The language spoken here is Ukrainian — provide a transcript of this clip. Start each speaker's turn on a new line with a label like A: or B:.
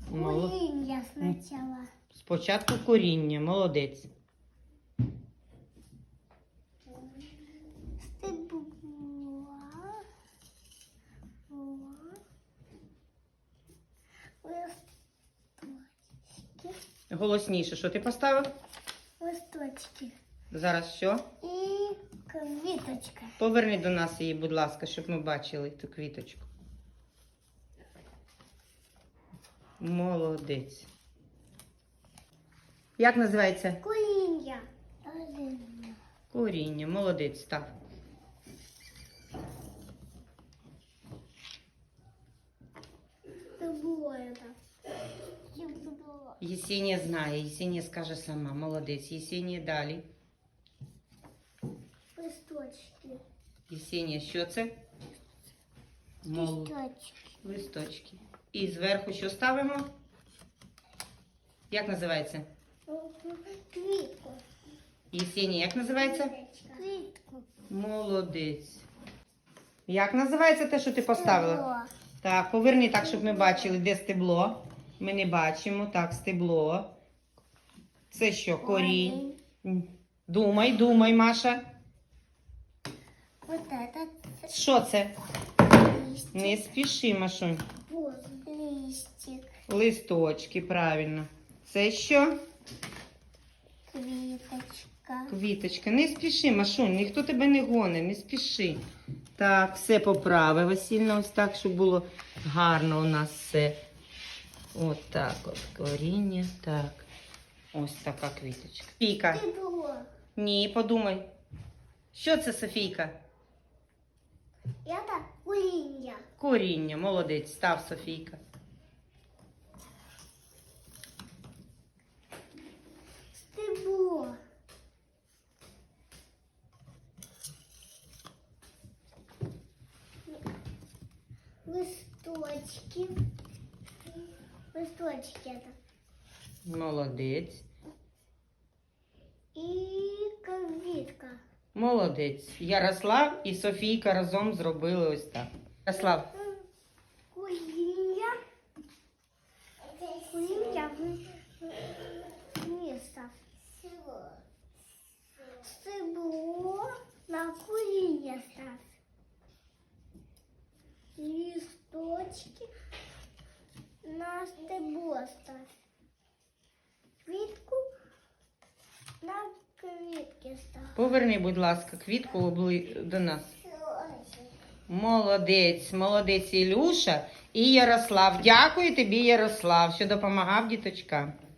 A: Коріння спочатку.
B: Спочатку коріння, молодець.
A: Стебла. Листочки.
B: Голосніше, що ти поставив?
A: Листочки.
B: Зараз що?
A: І квіточка.
B: Поверни до нас її, будь ласка, щоб ми бачили ту квіточку. Молодець. Як називається?
A: Коріння.
B: Коріння. Молодець, став.
A: Стебло это.
B: Єсенія знає, Єсенія скаже сама. Молодець. Єсенія далі.
A: Листочки.
B: Єсенія, що це?
A: Листочки.
B: Листочки. І зверху що ставимо? Як називається?
A: Квітку.
B: Єсенія, як називається?
A: Квітку.
B: Молодець. Як називається те, що ти поставила?
A: Стебло.
B: Так, поверни так, щоб ми бачили, де стебло. Ми не бачимо. Так, стебло. Це що, корінь? Думай, думай, Маша.
A: Вот это
B: Що це?
A: листик.
B: Не спіши, Машунь.
A: Вот листик.
B: Листочки, правильно. Це що?
A: Квіточка.
B: Квіточка. Не спіши, Машунь, ніхто тебе не гонить, не спіши. Так, все поправи, Васильна, ось так, щоб було гарно у нас все. От так от, коріння, так. Ось така квіточка. Софійка.
A: Стебло.
B: Ні, подумай. Що це, Софійка?
A: Это коріння.
B: Коріння, молодець, став, Софійка.
A: Стебло. Листочки. Листочки это.
B: Молодець.
A: І квітка.
B: Молодець. Ярослав і Софійка разом зробили ось так. Ярослав.
A: Коріння. Коріння місто. Стебло на коріння став. Листочки на стебло став. Квітку на квітки став.
B: Поверни, будь ласка, квітку до нас. Молодець, молодець Ілюша і Ярослав. Дякую тобі, Ярослав, що допомагав діточкам.